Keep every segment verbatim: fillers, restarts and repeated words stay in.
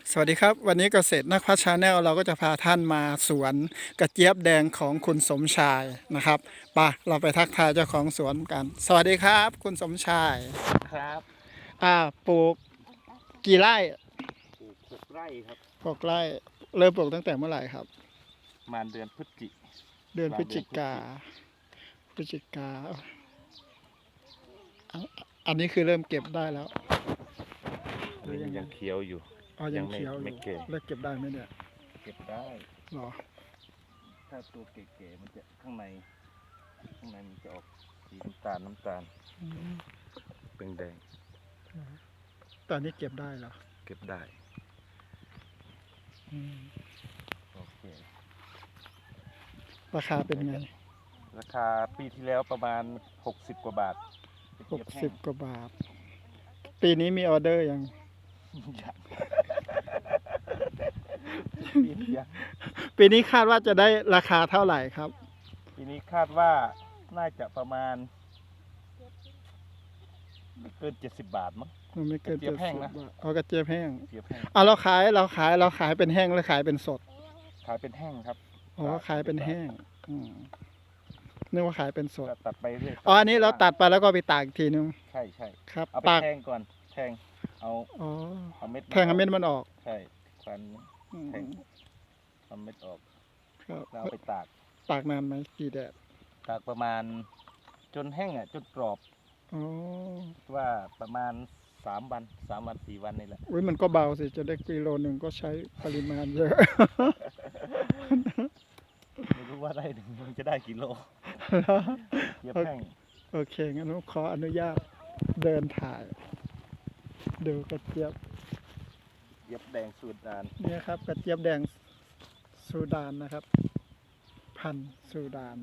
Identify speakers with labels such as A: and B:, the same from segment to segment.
A: สวัสดีครับวันนี้เกษตรนักพัฒชาแนลเราก็จะพาท่านมาสวนกระเจี๊ยบแดงของคุณสมชายนะครับไปะเราไปทักทายเจ้าของสวนกันสวัสดีครับคุณสมชาย
B: ครับ
A: อ่าปลูกกี่ไร่
B: ปลูกหกไร่ครับ
A: หกไร่เริ่มปลูกตั้งแต่เมื่อไหร่ครับ
B: ประมาณเดือนพฤศจิ
A: เดือนพฤศจิกา
B: เดือนพฤศจิ
A: พฤศจิกาอ่ะอันนี้คือเริ่มเก็บได้แล้วหรือยังไง
B: ยังเขียวอยู่
A: อ๋อยังเขียวอ
B: ไม่
A: ยู่
B: เก๋
A: แล้วเก็บได้ไหมเนี่ย
B: เก็บได้
A: หรอ
B: ถ้าตัวเก๋ๆมันจะข้างในข้างในมันจะออกสีน้ำตาลน้ำตาล
A: อืม
B: เป็นแดง
A: ตอนนี้เก็บได้เหรอ
B: เก็บได้
A: อืม
B: โอเค
A: ราคาเป็นไง
B: ราคาปีที่แล้วประมาณหกสิบกว่าบาท
A: หกสิบกว่าบาทปีนี้มีออเดอร์ยัง
B: ยังปีนี้ยัง
A: ปีนี้คาดว่าจะได้ราคาเท่าไหร่ครับ
B: ปีนี้คาดว่าน่าจะประมาณไม่เกินเจ็ดสิบบาทมั้ง
A: มันไม่เกิน
B: กระเจี๊ยบแห้งนะ
A: บาทเอากระเจี๊ยบแห้ง
B: เจี๊ยบแห้ง
A: เอาเราขายเราขายเราขายเป็นแห้งหรือขายเป็นสด
B: ขายเป็นแห้งครับ
A: อ๋อขายเป็นแห้งอืมนึกว่าขายเป็นสด
B: ก็ตัดไปเรื่อย
A: อ๋ออันนี้เราตัดไปแล้วก็ไปตากอีกทีนึง
B: ใช่ใช่
A: ครับ
B: เอาไป
A: ตาก
B: แทงก่อนแทงเอา
A: อ๋อ
B: เอาเม็ด
A: แทงเอาเม็ดมันออก
B: ใช่ฟัน
A: อืม
B: แทงเอาเม็ดออก
A: ครับ
B: แล้วเอาไปตาก
A: ตากนานไหมกี่แดด
B: ตากประมาณจนแห้งอ่ะจนกรอบ
A: อ๋อ
B: ว่าประมาณสามวันสามวันสี่วันนี่แหละ
A: อุ้ยมันก็เบาสิจะได้กิโลหนึ่งก็ใช้ปริมาณเยอะ
B: ไม่รู้ว่าได้ถึงมันจะได้กี่โลเย็บแห้ง
A: โอเคงั้นผมขออนุญาตเดินถ่าย ดูกระเจี๊ยบ
B: เย็บแดงสูตรดาน
A: เนี่ยครับกระเจี๊ยบแดงซูดานนะครับ พันธุ์ซูดาน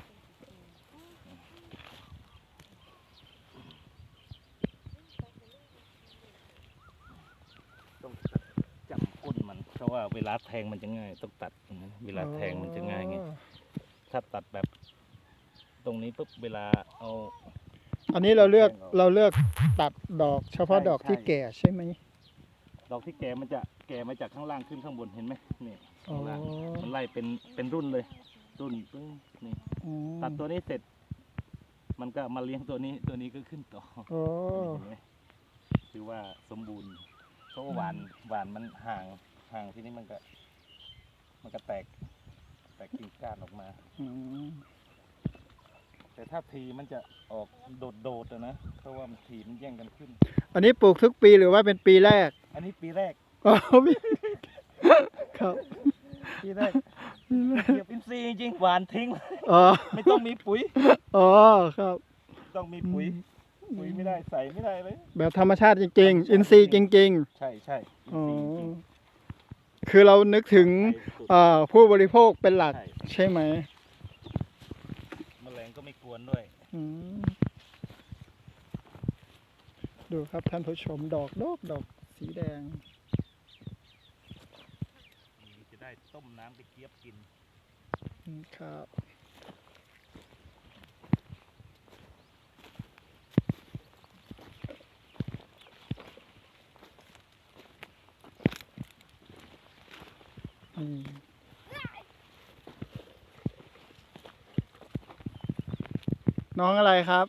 B: ต้องจับก้นมันเพราะว่าเวลาแทงมันจะง่ายต้องตัดอย่างนั้นเวลาแทงมันจะง่ายไงถ้าตัดแบบตรงนี้ปุ๊บเวลาเอา
A: อันนี้เราเลือกเราเลือกตัดดอกเฉพาะดอกที่แก่ใช่ไหม
B: ดอกที่แก่มันจะแก่มาจากข้างล่างขึ้นข้างบนเห็นไหมนี่
A: อ๋อ
B: ข้างล่างมันไล่เป็นเป็นรุ่นเลย รุ่นปึ้งนี่
A: อืม
B: ตัดตัวนี้เสร็จ มันก็มาเลี้ยงตัวนี้ตัวนี้ก็ขึ้นต่อ
A: โอ้
B: เห็นไหมคือว่าสมบูรณ์เพราะว่าหวานหวานมันห่างห่างที่นี้มันก็ มันก็แตกแตกกิ่งก้านออกมา
A: อืม
B: แต่ถ้าทีมันจะออกโดดๆอะนะเพราะว่ามันทีมันแย่งกันขึ้น
A: อันนี้ปลูกทุกปีหรือว่าเป็นปีแรก
B: อันนี้ปีแรก
A: อ๋อพี่ครับ
B: ปีแรกเก็บอินทรีย์จริงๆหวานทิ้ง
A: อ๋อ
B: ไม่ต้องมีปุ๋ย
A: อ๋อครับ
B: ต้องมีปุ๋ย ปุ๋ยไม่ได้ใส่ไม่ได้เลย
A: แบบธรรมชาติจริงๆ อินทรีย์จริง
B: ใช่ใช่
A: ๆ อ๋อ
B: อินทรีย์จริง
A: คือเรานึกถึง
B: ใช่สุด
A: เอ่อผู้บริโภคเป็นหลัก
B: ใช่
A: ใช่ไหม
B: แมลงก็ไม่กวนด้วย
A: อืมดูครับท่านผู้ชมดอกดอกดอกสีแดง
B: จะได้ต้มน้ำกระเจี๊ยบกิน
A: อืมครับอืมน้องอะไรครับ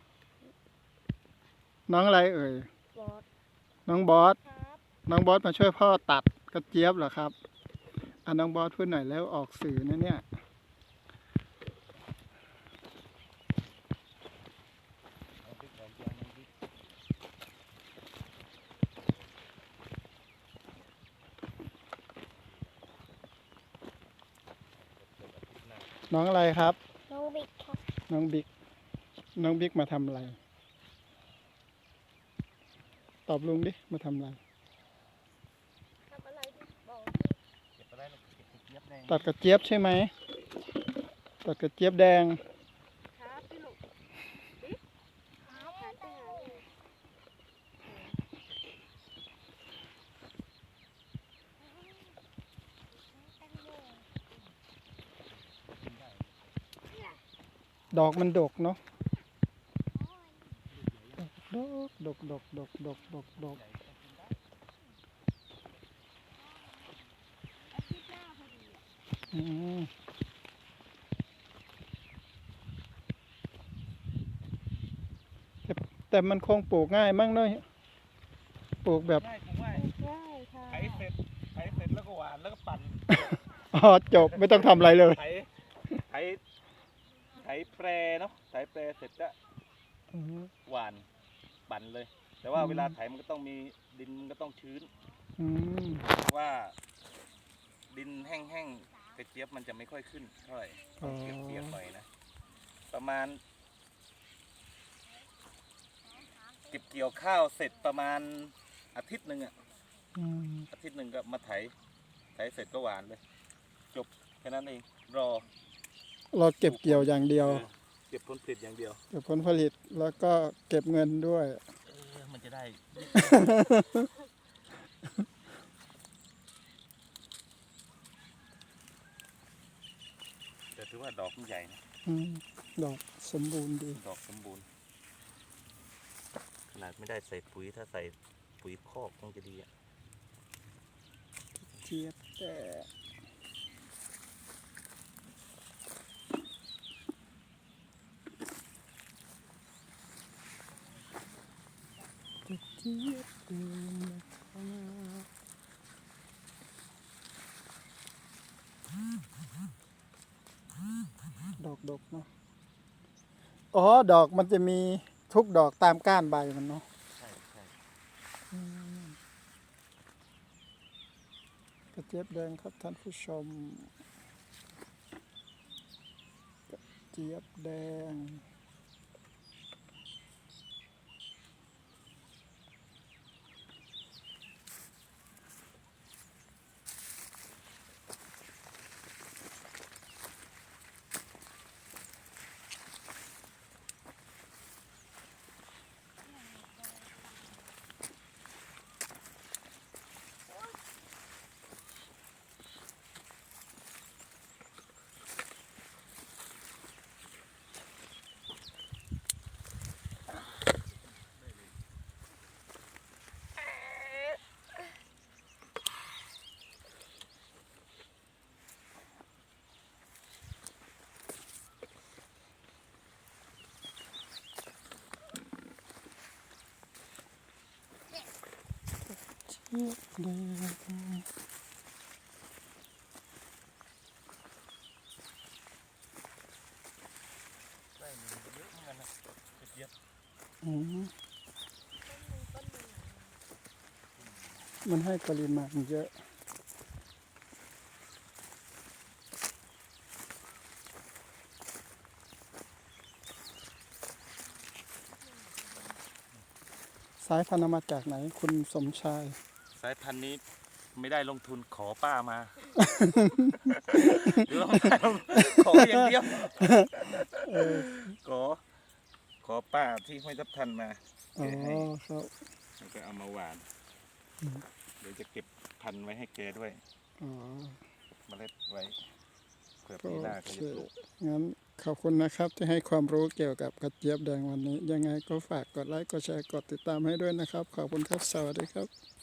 A: น้องอะไรเอ่ย
C: บอส
A: น้องบอส
C: ครับ
A: น้องบอสมาช่วยพ่อตัดกระเจี๊ยบเหรอครับอ่ะน้องบอสพูดหน่อยแล้วออกสื่อนะเนี่ย
B: เอาพริกออกยังน้ำพริก
A: น้องอะไรครับ
C: น้องบิ๊กครับ
A: น้องบิ๊ก น้องบิ๊กมาทำอะไร ตอบลุงดิ มาทำอะไร
C: ทำอะไรดิบอก
B: เก็บอะไรลูกเก็บกระเจี๊ยบแดง
A: ตัดกระเจี๊ยบใช่ไหม ตัดกระเจี๊ยบแดง
C: ครับพี่ลูกบิ๊กหาหาไปหาเลย
A: ดอกมันดกเนาะ ดกดกดกดกดกดกดกอืมแต่แต่มันคงปลูกง่ายมั้งเนาะปลูกแบบ
B: ง่ายถูกง่าย
C: ได้ค่ะ
B: ไถเสร็จไถเสร็จแล้วก็หวานแล้วก็ปั่น
A: อ๋อจบไม่ต้องทำอะไรเลย
B: ไถไถไถแปรเนาะไถแปรเสร็จก็
A: อืม
B: หวานปั่นเลย แต่ว่า
A: อืม
B: เวลาไถมันก็ต้องมีดินมันก็ต้องชื้น
A: อืม
B: เพราะว่าดินแห้งๆกระเจี๊ยบมันจะไม่ค่อยขึ้นเท่าไหร่ต้องเปียกๆหน่อยนะประมาณ เก็บเกี่ยวข้าวเสร็จประมาณอาทิตย์หนึ่งอะ
A: อืม
B: อาทิตย์หนึ่งก็มาไถไถเสร็จก็หวานเลย จบแค่นั้นเองรอ
A: เราเก็บเกี่ยวอย่างเดียว
B: เออเก็บผลผลิตอย่างเดียว
A: เก็บผลผลิตแล้วก็เก็บเงินด้วย
B: เออมันจะได้ แต่ถือว่าดอกมันใหญ่นะ
A: อืมดอกสมบูรณ์ดี
B: ดอกสมบูรณ์ขนาดไม่ได้ใส่ปุ๋ยถ้าใส่ปุ๋ยคอกคงจะดีอะ
A: เจี๊ยบแต่เจี๊ยบเดินนะครับดอกดกเนาะอ๋อดอกมันจะมีทุกดอกตามก้านใบมันเนาะ
B: ใช่ใช่
A: อืมกระเจี๊ยบแดงครับท่านผู้ชมกระเจี๊ยบแดง เจี๊ยบแดง
B: ได้เยอะเหมือนกันนะกระเจี๊ยบ
A: อืมมันให้ปริมาณเยอะ สายพันธุ์เอามาจากไหนคุณสมชาย
B: สายพันธุ์นี้ไม่ได้ลงทุนขอป้ามา หรือว่าไม่ลงขออย่างเดียว
A: เออ
B: ขอขอป้าที่ห้วยทับทันมา
A: อ๋
B: แก
A: อ
B: ให้
A: ครับ
B: แล้วก็เอามาหวาน
A: อืม
B: เดี๋ยวจะเก็บพันธุ์ไว้ให้แกด้วย
A: อ๋อ
B: เมล็ดไว้เผื่อ
A: โอ
B: ปีหน้า
A: เค
B: เขาจะปลูก
A: งั้นขอบคุณนะครับที่ให้ความรู้เกี่ยวกับกระเจี๊ยบแดงวันนี้ ยังไงก็ฝากกดไลค์ กดแชร์ กดติดตามให้ด้วยนะครับ ขอบคุณครับ สวัสดีครับ